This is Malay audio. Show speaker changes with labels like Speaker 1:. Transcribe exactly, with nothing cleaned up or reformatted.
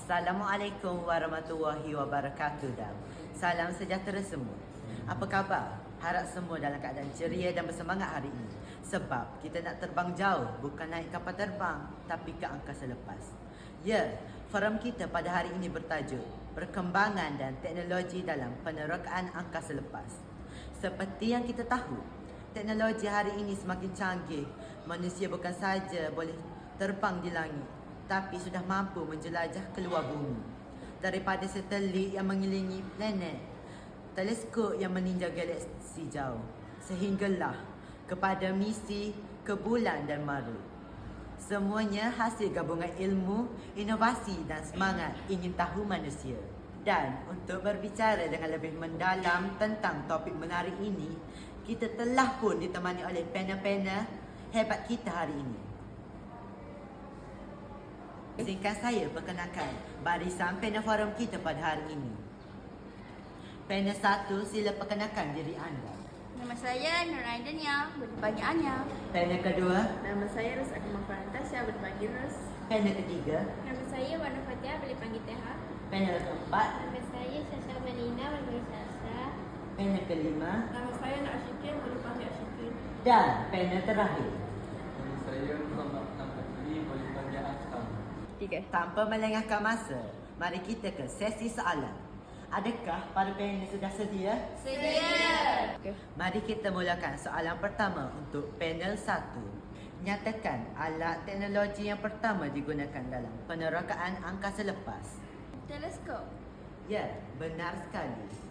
Speaker 1: Assalamualaikum warahmatullahi wabarakatuh dan salam sejahtera semua. Apa khabar? Harap semua dalam keadaan ceria dan bersemangat hari ini. Sebab kita nak terbang jauh, bukan naik kapal terbang, tapi ke angkasa lepas. Ya, forum kita pada hari ini bertajuk Perkembangan dan Teknologi dalam Penerokaan Angkasa Lepas. Seperti yang kita tahu, teknologi hari ini semakin canggih. Manusia bukan saja boleh terbang di langit, tapi sudah mampu menjelajah keluar bumi. Daripada satelit yang mengelilingi planet, teleskop yang meninjau galaksi jauh, sehinggalah kepada misi ke bulan dan Mars. Semuanya hasil gabungan ilmu, inovasi dan semangat ingin tahu manusia. Dan untuk berbicara dengan lebih mendalam tentang topik menarik ini, kita telah pun ditemani oleh panel-panel hebat kita hari ini. Izinkan saya perkenalkan barisan panel forum kita pada hari ini. Panel satu, sila perkenalkan diri anda.
Speaker 2: Nama saya Nur Aidania, berpanggil Anya.
Speaker 1: Panel kedua.
Speaker 3: Nama saya Rus Akmal Fantasya, berpanggil Rus.
Speaker 1: Panel ketiga.
Speaker 2: Nama saya Wana Fatia, boleh panggil Teha.
Speaker 1: Panel keempat.
Speaker 2: Nama saya Sasha Melina, boleh panggil Sasha.
Speaker 1: Panel kelima.
Speaker 3: Nama saya Nak Asyikin, boleh panggil Asyikin.
Speaker 1: Dan panel terakhir.
Speaker 4: Nama saya Muhammad Nampatli, boleh panggil Akam.
Speaker 2: Tiga.
Speaker 1: Tanpa melengahkan masa, mari kita ke sesi soalan. Adakah para panel sudah sedia?
Speaker 2: Sedia.
Speaker 1: Mari kita mulakan soalan pertama untuk panel satu. Nyatakan alat teknologi yang pertama digunakan dalam penerokaan angkasa lepas.
Speaker 2: Teleskop.
Speaker 1: Ya, benar sekali.